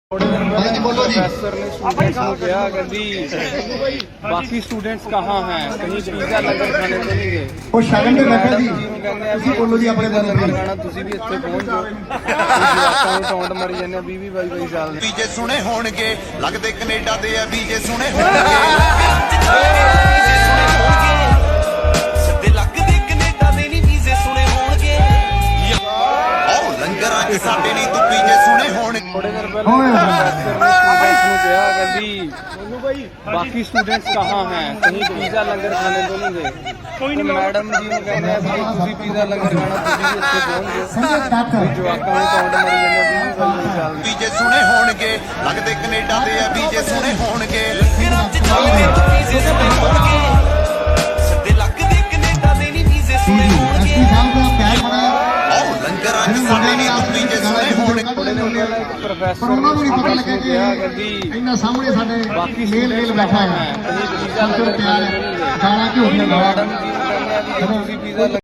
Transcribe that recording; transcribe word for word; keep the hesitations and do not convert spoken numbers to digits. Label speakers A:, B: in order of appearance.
A: professor ने students को क्या कहती बाकी स्टूडेंट्स कहाँ हैं कहीं पिज़्ज़ा लंगर खाने तो नहीं गए
B: ਉਹ ਸ਼ਗਨ ਤੇ ਬੈਠੇ ਸੀ
A: ਤੁਸੀਂ
B: ਬੋਲੋ ਜੀ ਆਪਣੇ
A: ਦਾ ਲੰਗਰ ਖਾਣਾ ਤੁਸੀਂ ਵੀ ਇੱਥੇ ਪਹੁੰਚ ਜਾਓ ਜਵਾਕਾਂ ਨੂੰ ਟੌਂਟ ਮਾਰੀ ਜਾਂਦੇ ਵੀਹ ਵੀਹ ਬਾਈ ਬਾਈ ਸਾਲ ਦੇ
C: ਵੀਜੇ ਸੁਣੇ ਹੋਣਗੇ ਲੱਗਦੇ ਕੈਨੇਡਾ ਦੇ ਆ ਵੀਜੇ ਸੁਣੇ ਹੋਣਗੇ ਸਿੱਧੇ ਲੱਗਦੇ ਕੈਨੇਡਾ ਦੇ ਨਹੀਂ ਵੀਜ਼ੇ ਸੁਣੇ ਹੋਣਗੇ ਆਹ ਲੰਗਰਾਂ 'ਚ ਸਾਡੇ ਨਹੀਂ ਤੂੰ ਵੀਜੇ ਸੁਣੇ ਹੋਣਗੇ
A: थोड़े देर पहले प्रोफेसर ने स्टूडेंट्स को क्या कहती बाकी स्टूडेंट्स कहाँ हैं कहीं पिज़्ज़ा लंगर खाने तो नहीं गए कोई नहीं मैडम जी ने कहते हैं कि ਤੁਸੀਂ पिज़्ज़ा लंगर खाना ਤੁਸੀਂ ਵੀ ਇੱਥੇ ਪਹੁੰਚ ਜਾਓ ਜਵਾਕਾਂ ਨੂੰ ਟੌਂਟ ਮਾਰੀ ਜਾਂਦੇ ਵੀਹ ਵੀਹ ਬਾਈ ਸਾਲ ਦੇ
C: ਵੀਜੇ ਸੁਣੇ ਹੋਣਗੇ ਲੱਗਦੇ ਕੈਨੇਡਾ ਦੇ ਆ ਵੀਜੇ ਸੁਣੇ ਹੋਣਗੇ ਲੰਗਰਾਂ 'ਚ ਜਾਂਦੇ ਤੂੰ ਵੀਜੇ ਸੁਣੇ ਹੋਣਗੇ ਸਿੱਧੇ ਲੱਗਦੇ ਕੈਨੇਡਾ ਦੇ ਨਹੀਂ ਵੀਜ਼ੇ ਸੁਣੇ ਹੋਣਗੇ ਆਹ ਲੰਗਰਾਂ 'ਚ ਸਾਡੇ ਨਹੀਂ ਤੂੰ ਵੀਜੇ ਸੁਣੇ ਹੋਣਗੇ
A: प्रोफेसर ने स्टूडेंट्स को क्या कहती
B: ਇੰਨਾ ਸਾਹਮਣੇ ਸਾਡੇ
A: बाकी
B: ਮੇਲ ਮੇਲ
A: स्टूडेंट्स
B: ਬੈਠਾ
A: कहाँ
B: ਹੈ
A: हैं कहीं पिज़्ज़ा लंगर खाने तो नहीं गए
B: ਗਾਣਾ ਕਿਉਂ
A: मैडम जी ने कहते हैं कि ਤੁਸੀਂ पिज़्ज़ा